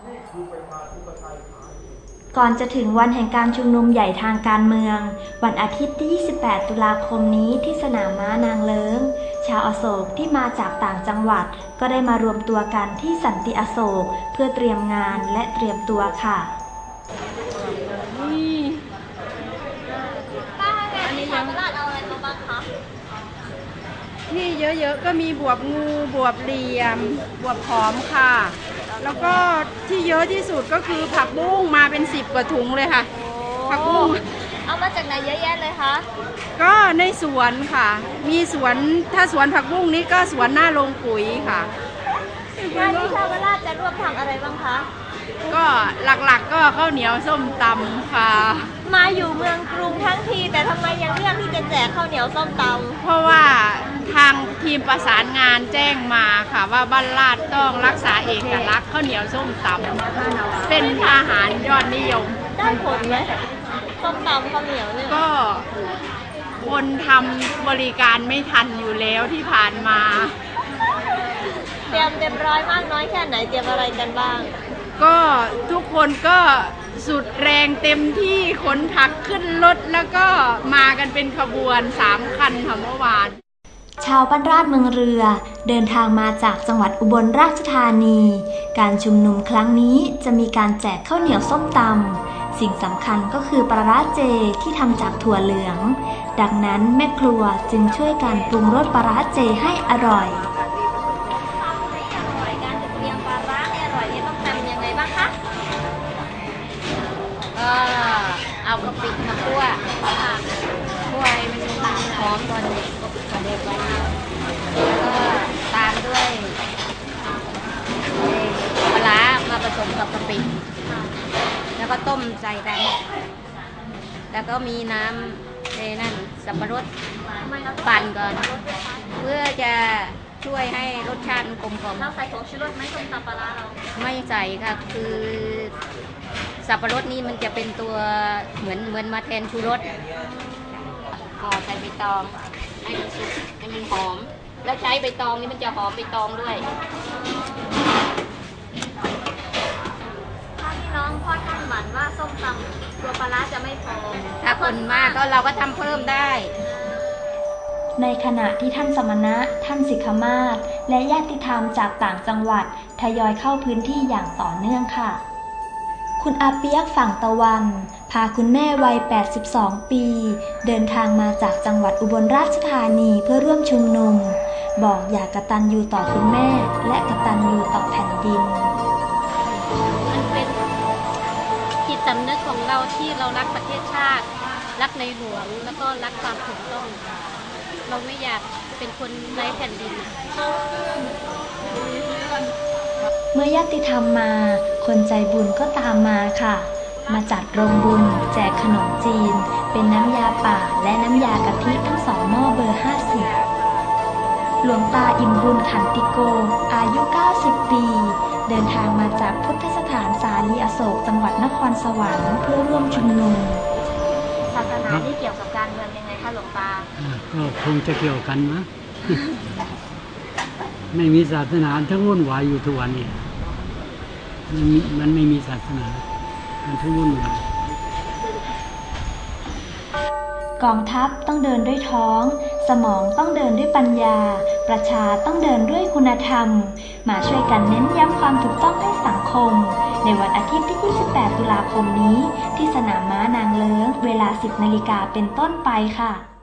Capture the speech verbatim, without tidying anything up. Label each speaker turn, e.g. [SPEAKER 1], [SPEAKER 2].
[SPEAKER 1] ก่อนจะถึงวันแห่งการชุมนุมใหญ่ทางการเมืองวันอาทิตย์ที่ ยี่สิบแปด ตุลาคมนี้ที่สนามม้านางเลิ้งชาวอโศกที่มาจากต่างจังหวัดก็ได้มารวมตัวกันที่สันติอโศกเพื่อเตรียมงานและเตรียมตัวค่ะ
[SPEAKER 2] นี่
[SPEAKER 3] ป้าอันนี้ยังตลาดเอาอะไรมาบ้างคะ
[SPEAKER 2] นี่เยอะๆก็มีบวบงูบวบเหลี่ยมบวบหอมค่ะแล้วก็ที่เยอะที่สุดก็คือผักบุ้งมาเป็นสิบกว่าถุงเลยค่ะผักบุ้ง
[SPEAKER 3] เอามาจากไหนเยอะแยะเลยคะ
[SPEAKER 2] ก็ในสวนค่ะมีสวนถ้าสวนผักบุ้งนี้ก็สวนหน้าโรงปุ๋ยค่ะ
[SPEAKER 3] งานที่ชาวราชจะร่วมทำอะไรบ้างคะ
[SPEAKER 2] ก็หลักๆก็ข้าวเหนียวส้มตำค่ะ
[SPEAKER 3] มาอยู่เมืองกรุงทั้งทีแต่ทำไมยังเลือกที่จะแจกข้าวเหนียวส้มตำ
[SPEAKER 2] เพราะว่าทางทีมประสานงานแจ้งมาค่ะว่าบ้านลาดต้องรักษาเอกลักษณ์ข้าวเหนียวส้มตำเป็นอาหารยอดนิยม
[SPEAKER 3] ได้ผลไหมส้มตำข้าวเหนียวเนี่ย
[SPEAKER 2] ก็คนทำบริการไม่ทันอยู่แล้วที่ผ่านมา
[SPEAKER 3] เตรียมเต็มร้อยมากน้อยแค่ไหนเตรียมอะไรกันบ้าง
[SPEAKER 2] ก็ทุกคนก็สุดแรงเต็มที่ขนผักขึ้นรถแล้วก็มากันเป็นขบวนสามคันค่ะเมื่อวาน
[SPEAKER 1] ชาวบ้านราชเมืองเรือเดินทางมาจากจังหวัดอุบลราชธานีการชุมนุมครั้งนี้จะมีการแจกข้าวเหนียวส้มตำสิ่งสำคัญก็คือปลาร้าเจที่ทำจากถั่วเหลืองดังนั้นแม่ครัวจึงช่วยกันปรุงรสปลาร้าเจให้อร่อย
[SPEAKER 4] ก็เอากะปิมาคั่วคั่วให้มันหอมก่อนก่อนเด็กก่อนแล้วก็ตามด้วยปลาร้ามาผสมกับกะปิแล้วก็ต้มใส่กันแล้วก็มีน้ำในนั่นสับปะรดปั่นก่อนเพื่อจะช่วยให้รสชาติกลมกล่อม
[SPEAKER 3] เราใส่ผงชูรสไหมต้มตำปลาร้าเรา
[SPEAKER 4] ไม่ใส่ค่ะคือสับปะรดนี่มันจะเป็นตัวเหมือนเหมือนมาแทนชูรสห่อใส่ใบตองให้มันสุกให้มันหอมแล้วใช้ใบตองนี่มันจะหอมใบตองด้วย
[SPEAKER 3] ถ้าพี่น้องพ่อท่านหมั่นว่าส้มตำตัวปลาร้าจะไม่พอ
[SPEAKER 4] ถ้าคนมากก็เราก็ทำเพิ่มได้
[SPEAKER 1] ในขณะที่ท่านสมณะท่านสิกขมาศและญาติธรรมจากต่างจังหวัดทยอยเข้าพื้นที่อย่างต่อเนื่องค่ะคุณอาเปียกฝั่งตะวันพาคุณแม่วัยแปดสิบสองปีเดินทางมาจากจังหวัดอุบลราชธานีเพื่อร่วมชุมนุมบอกอยากกตัญญูต่อคุณแม่และกตัญญูต่อแผ่นดิน
[SPEAKER 5] มันเป็นจิตสำนึกของเราที่เรารักประเทศชาติรักในหลวงแล้วก็รักความถูกต้องเราไม่อยากเป็นคนไร้แผ่นดิน
[SPEAKER 1] เมื่อญาติธรรมมาคนใจบุญก็ตามมาค่ะมาจัดโรงบุญแจกขนมจีนเป็นน้ำยาป่าและน้ำยากะทิทั้งสองหม้อเบอร์ห้าสิบหลวงตาอิ่มบุญขันติโกอายุเก้าสิบปีเดินทางมาจากพุทธสถานสาลีอโศกจังหวัดนครสวรรค์เพื่อร่วมชุมนุม
[SPEAKER 3] ศาสนาที่เกี่ยวกับการเมืองยังไงคะหลวงตา
[SPEAKER 6] ก็คงจะเกี่ยวกันนะไม่มีศาสนาทั้งวุ่นวายอยู่ทุกวันนี้มันไม่มีศาสนามันทั้งวุ่นวาย
[SPEAKER 1] กองทัพต้องเดินด้วยท้องสมองต้องเดินด้วยปัญญาประชาต้องเดินด้วยคุณธรรมมาช่วยกันเน้นย้ำความถูกต้องให้สังคมในวันอาทิตย์ที่ ยี่สิบแปด ตุลาคมนี้ที่สนามม้านางเลิ้งเวลา สิบนาฬิกาเป็นต้นไปค่ะ